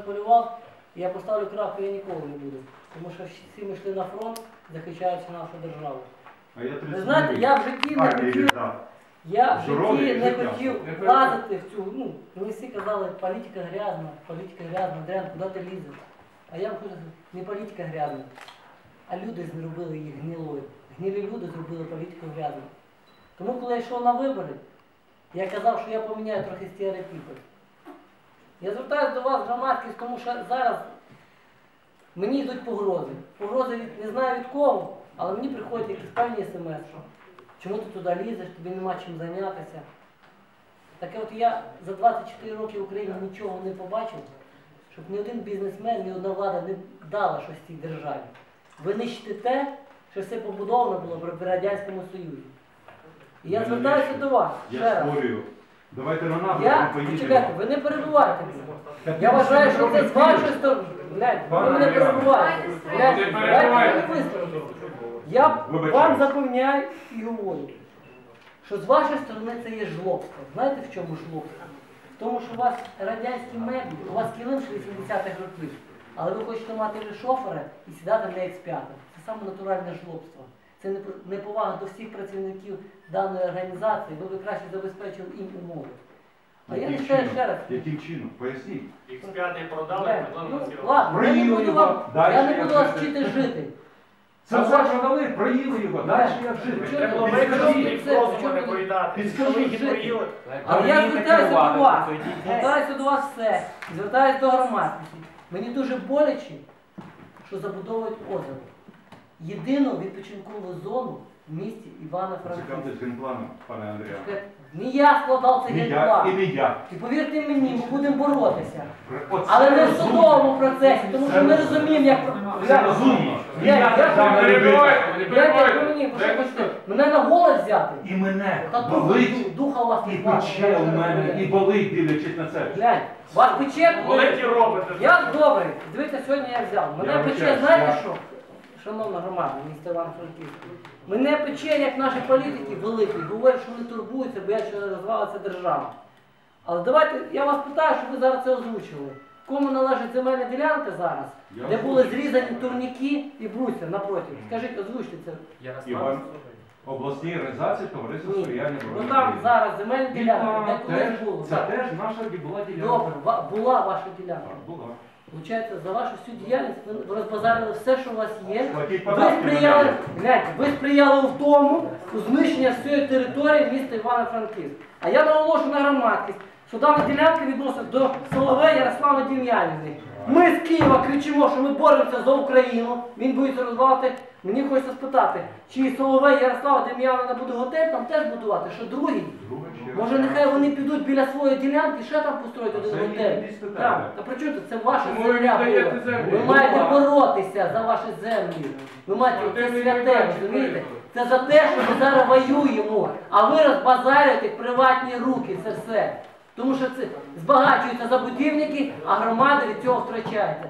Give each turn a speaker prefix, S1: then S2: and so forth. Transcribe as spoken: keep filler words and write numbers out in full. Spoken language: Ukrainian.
S1: полював, я поставлю крапку, я ніколи не буду. Тому що всі ми йшли на фронт, захищаючи нашу державу.
S2: А я
S1: Ви знаєте, я в житті не хотів, я в житті не хотів влазити в цю, ну, мені всі казали, політика грязна, політика грязна, Андріан, куди ти лізеш? А я вам хочу сказати, не політика грязна, а люди зробили її гнилою. Гнилі люди зробили політику грязною. Тому коли я йшов на вибори, я казав, що я поміняю трохи стереотипи. Я звертаюся до вас, громадськість, тому що зараз мені йдуть погрози. Погрози від, не знаю від кого, але мені приходять якісь певні смс, що чому ти туди лізеш, тобі нема чим зайнятися. Таке от я за двадцять чотири роки в Україні нічого не побачив, щоб ні один бізнесмен, ні одна влада не дала щось цій державі. Ви нищите те, що все побудовано було при Радянському Союзі. І я звертаюся до вас, ще раз.
S2: Я спорю. Давайте на нас
S1: Я,
S2: поїдемо.
S1: чекайте, ви не перебувайте мене. Я вважаю, що це з вашої сторони. Гляньте, ви мене перебуваєте. Гляньте, дайте мені висловити. Я вам запевняю і говорю, що з вашої сторони це є жлобство. Знаєте, в чому жлобство? В тому, що у вас радянські меблі, у вас килим вісімдесятих років, але ви хочете мати шофера і сідати на ікс п'ять. Це саме натуральне жлобство. Це неповага до всіх працівників даної організації, бо ви краще забезпечили їм умови. А я не ще ще раз.
S2: Яким чином? Поясніть.
S3: ікс п'ять продали,
S1: Ну, ладно, я не буду вам, я не буду вас вчити жити.
S2: Це все продали, проїли його, далі як жити.
S3: Треба було використати розуму не поїдати.
S1: Підскажіть. Але я звертаюся до вас, звертаюся до вас все, звертаюся до громадськості. Мені дуже боляче, що забудовують озеро. Єдину відпочинкову зону в місті Івано-Франківська.
S2: Цікавтесь генпланом, пане Андрію.
S1: Не я складав цей
S2: Не я
S1: генплан.
S2: і не я.
S1: І повірте мені, ми будемо боротися.
S2: Оце
S1: Але не в
S2: розумно.
S1: судовому процесі, тому що ми розуміємо, як...
S2: Це розумно. І
S1: Я-
S2: я
S1: я-
S2: державна
S1: я-
S2: людина.
S1: Як ви мені, ви що хочете, мене на голос взяти?
S2: І мене
S1: Та духа,
S2: болить,
S1: духа у вас
S2: і
S1: не
S2: пече у мене, і болить, дивлячись на це.
S1: Глянь, вас пече?
S3: Болить і робите.
S1: Я добрий. Дивіться, сьогодні я взяв. Мене
S2: Я
S1: пече,
S2: вибачаюсь,
S1: знаєте
S2: я-
S1: що? Шановна громада, місто Івано-Франківська. Мене пече, як наші політики великі, говорять, що вони турбуються, бо я що розвалиться держава. Але давайте, я вас питаю, щоб ви зараз це озвучили. Кому належить земельна ділянка зараз,
S2: Я
S1: де були
S2: озвучу.
S1: зрізані турніки і брусья напроти? Скажіть, озвучте це.
S2: Іван, обласній організації товариства
S1: Ні.
S2: сприяння
S1: Ну
S2: боротьбі.
S1: там зараз земельна ділянка, де
S2: Вікна
S1: колись
S2: теж-
S1: було.
S2: Це
S1: Так.
S2: теж наша була ділянка.
S1: Добре, ва- була ваша ділянка.
S2: Так, була.
S1: Получається, за вашу всю діяльність ви розбазарили все, що у вас є.
S2: Платіть
S1: Ви
S2: податки
S1: сприяли,
S2: на неї.
S1: гляньте, ви сприяли в тому, у знищення всієї території міста Івано-Франківськ. А я наголошую на громадськість, що дана ділянка відносить до Соловей Ярослави Дем'янівни. Ми з Києва кричимо, що ми боремося за Україну. Він боїться розвалити. Мені хочеться спитати, чи Соловей Ярослава Дем'янівна буде готель там теж будувати, що другий?
S2: Друга ще раз.
S1: Може нехай вони підуть біля своєї ділянки, ще там построять
S2: А
S1: один
S2: це
S1: готель.
S2: їхні спитання.
S1: Так, та при чому тут? Це ваша
S4: Чому ви
S1: земля
S4: віддаєте
S1: була.
S4: землю?
S1: Ви
S4: Ну,
S1: маєте
S4: так.
S1: боротися за ваші землі. Ви маєте
S4: Ну,
S1: це
S4: ти не
S1: святе,
S4: віддаєш,
S1: розумієте?
S4: що
S1: Це за те, що ми зараз воюємо, а ви розбазарюєте приватні руки, це все. Тому що це збагачуються забудівники, а громади від цього втрачається.